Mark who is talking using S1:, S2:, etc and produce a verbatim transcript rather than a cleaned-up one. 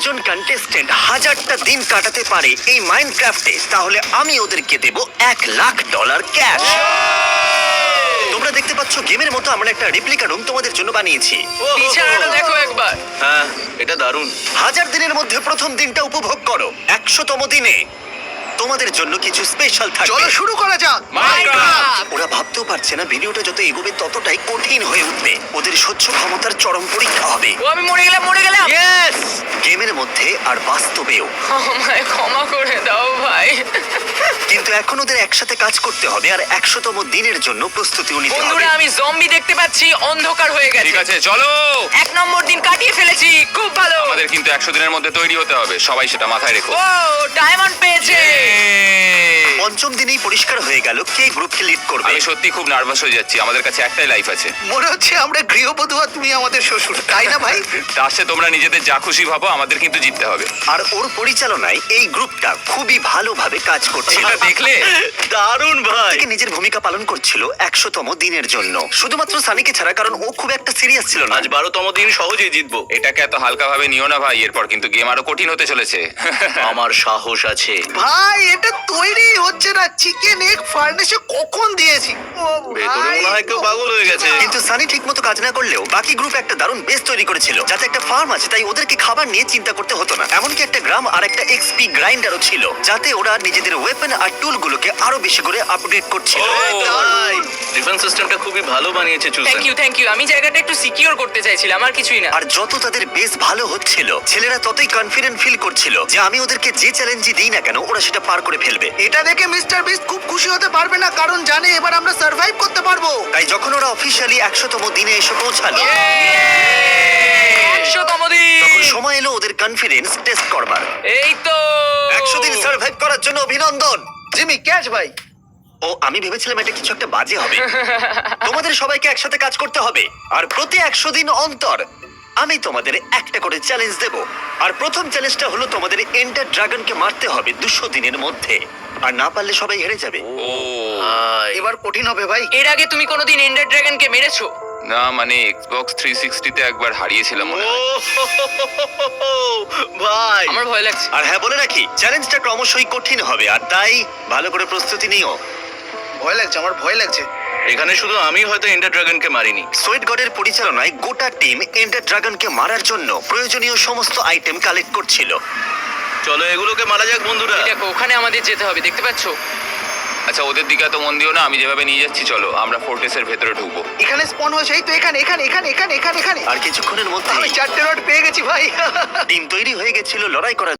S1: একজন কন্টেস্টেন্ট হাজারটা দিন কাটাতে পারে এই মাইনক্রাফটে, তাহলে আমি ওদেরকে দেব এক লাখ ডলার ক্যাশ। তোমরা দেখতে পাচ্ছ গেমের মতো আমরা একটা রেপ্লিকা রুম তোমাদের জন্য বানিয়েছি।
S2: বিছানাটা দেখো একবার।
S3: হ্যাঁ, এটা দারুণ।
S1: হাজার দিনের মধ্যে প্রথম দিনটা উপভোগ করো। একশোতম দিনে তোমাদের জন্য কিছু স্পেশাল থাকবে।
S4: চলো শুরু করা যাক।
S2: মাইনক্রাফট।
S1: ওরা ভাবতেও পারছে না ভিডিওটা যত এগোবে ততটাই কঠিন হয়ে উঠবে। ওদের সহ্য ক্ষমতার চরম পরীক্ষা হবে
S2: ও আমি মরে গেলাম মরে গেলাম।
S3: ইয়েস!
S1: গেমের মধ্যে আর বাস্তবেও।
S2: আমায় ক্ষমা করে দাও ভাই।
S1: কিন্তু এখন ওদের একসাথে কাজ করতে হবে আর একশোতম দিনের জন্য প্রস্তুতিও নিতে হবে।
S2: বন্ধুরা আমি জম্বি দেখতে পাচ্ছি, অন্ধকার হয়ে গেছে।
S5: ঠিক আছে চলো।
S2: এক নম্বর দিন কাটিয়ে ফেলেছি, খুব ভালো।
S5: আমাদের কিন্তু একশো দিনের মধ্যে তৈরি হতে হবে, সবাই সেটা মাথায় রেখো।
S2: ও ডায়মন্ড পেয়েছে।
S1: পঞ্চম দিনেই পরিষ্কার হয়ে গেল কে গ্রুপকে লিড করবে।
S5: আমি সত্যি খুব নার্ভাস হয়ে যাচ্ছি, আমাদের কাছে একটাই লাইফ আছে।
S4: মনে হচ্ছে আমরা গৃহবধূ আর তুমি আমাদের শ্বশুর, তাই না ভাই?
S5: তার সাথে তোমরা নিজেদের যা খুশি ভাবো, আমাদের কিন্তু জিততে হবে।
S1: আর ওর পরিচালনায় এই গ্রুপটা খুবই ভালোভাবে কাজ করছে।
S5: সেটা দেখলে
S3: দারুণ ভাই।
S1: থেকে নিজের ভূমিকা পালন করছিল একশোতম দিনের জন্য, শুধুমাত্র সানিকে ছাড়া, কারণ ও খুব একটা সিরিয়াস ছিল না।
S3: আজ বারোতম দিন, সহজেই জিতবো।
S5: এটাকে এত হালকা ভাবে নিও না ভাই, এরপর কিন্তু গেম আরো কঠিন হতে চলেছে।
S3: আমার সাহস আছে।
S4: ভাই এটা তৈরি হচ্ছে না, চিকেন এগ ফার্নেসে কখন দিয়েছি। ও
S3: ভেতরে
S4: ভাই,
S3: মনে হয় কেউ পাগল হয়ে গেছে।
S1: কিন্তু সানি ঠিক মতো কাজ না করলেও বাকি গ্রুপ একটা দারুণ বেস তৈরি করেছিল, যাতে একটা ফার্ম আছে, তাই ওদেরকে খাবার নিয়ে চিন্তা করতে হতো না। এমনকি একটা গ্রাম আর একটা এক্সপি গ্রাইন্ডারও ছিল, যাতে ওরা নিজেদের ওয়েপন আর টুলগুলোকে আরো বেশি করে আপগ্রেড করছিল।
S3: ভাই, ডিফেন্স সিস্টেমটা খুবই ভালো বানিয়েছে চুসেন।
S2: Thank you thank you. আমি জায়গাটা একটু সিকিউর করতে চাইছিলাম, আর কিছুই না।
S1: আর যত তাদের বেস ভালো হচ্ছিল, ছেলেরা ততই কনফিডেন্ট ফিল করছিল যে আমি ওদেরকে যে চ্যালেঞ্জই দিই না কেন ওরা সেটা পার করে ফেলবে।
S4: এটা দেখে মিস্টার বিস্ট খুব খুশি হতে পারবে না, কারণ জানে এবার আমরা সার্ভাইভ করতে পারবো।
S1: তাই যখন ওরা অফিসিয়ালি একশোতম দিনে এসে পৌঁছালো,
S2: একশোতম দিন।
S1: তখন সময় এলো ওদের কনফিডেন্স টেস্ট করবার।
S2: এই তো
S1: একশো দিন সার্ভাইভ করার জন্য অভিনন্দন।
S4: জিমি ক্যাচ ভাই।
S1: ও আমি ভেবেছিলাম এটা কিছু একটা বাজে হবে। তোমাদের সবাইকে একসাথে কাজ করতে হবে, আর প্রতি একশো দিন অন্তর আমি তোমাদের একটা করে চ্যালেঞ্জ দেব। আর প্রথম চ্যালেঞ্জটা হলো তোমাদের এন্ডার ড্রাগনকে মারতে হবে দুশো দিনের মধ্যে, আর না পারলে সবাই হেরে যাবে।
S5: ও
S3: ভাই,
S4: এবার কঠিন হবে ভাই।
S2: এর আগে তুমি কোনোদিন এন্ডার ড্রাগনকে মেরেছো?
S5: না, মানে এক্সবক্স থ্রি সিক্সটি তে একবার হারিয়েছিলাম মনে
S3: ও
S5: হয়।
S3: ভাই,
S2: আমার ভয় লাগছে।
S1: আর হ্যাঁ বলে রাখি, চ্যালেঞ্জটা ক্রমশই কঠিন হবে, আর তাই ভালো করে প্রস্তুতি নিও।
S4: ভয় লাগছে, আমার ভয় লাগছে।
S3: এখানে শুধু আমি হয়তো এন্ডার ড্রাগনকে মারিনি।
S1: সোয়েট গডের পরিচালনায় গোটা টিম এন্ডার ড্রাগনকে মারার জন্য প্রয়োজনীয় সমস্ত আইটেম কালেক্ট করছিল।
S3: চলো এগুলোকে মারা যাক বন্ধুরা।
S2: দেখো ওখানে আমাদের যেতে হবে, দেখতে পাচ্ছো?
S5: আচ্ছা ওদের দিকে তো মন দিও না, আমি যেভাবে নিয়ে যাচ্ছি চলো আমরা ফোর্টেসের ভেতরে ঢুকবো।
S4: এখানে স্পন হয়েছে, এই তো এখানে এখানে এখানে এখানে এখানে এখানে।
S1: আর কিছুক্ষণের মধ্যে
S4: আমি চারটে রড পেয়ে গেছি ভাই।
S1: টিম তৈরি হয়ে গেছিল লড়াই করার